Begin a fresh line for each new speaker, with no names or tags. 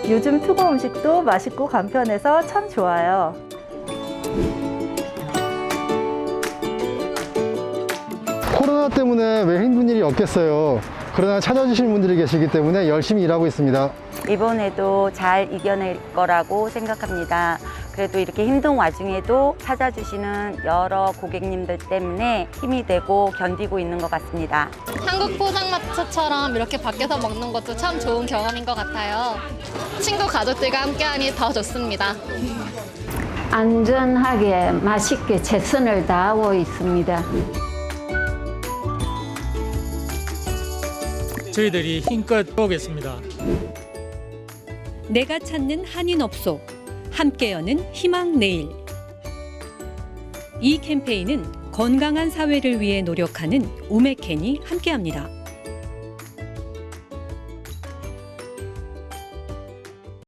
요즘 투고 음식도 맛있고 간편해서 참 좋아요.
코로나 때문에 왜 힘든 일이 없겠어요. 그러나 찾아주시는 분들이 계시기 때문에 열심히 일하고 있습니다.
이번에도 잘 이겨낼 거라고 생각합니다. 그래도 이렇게 힘든 와중에도 찾아주시는 여러 고객님들 때문에 힘이 되고 견디고 있는 것 같습니다.
한국 포장마차처럼 이렇게 밖에서 먹는 것도 참 좋은 경험인 것 같아요. 친구 가족들과 함께하니 더 좋습니다.
안전하게 맛있게 최선을 다하고 있습니다.
저희들이 힘껏 보겠습니다.
내가 찾는 한인업소, 함께 여는 희망 내일. 이 캠페인은 건강한 사회를 위해 노력하는 우메켄이 함께합니다.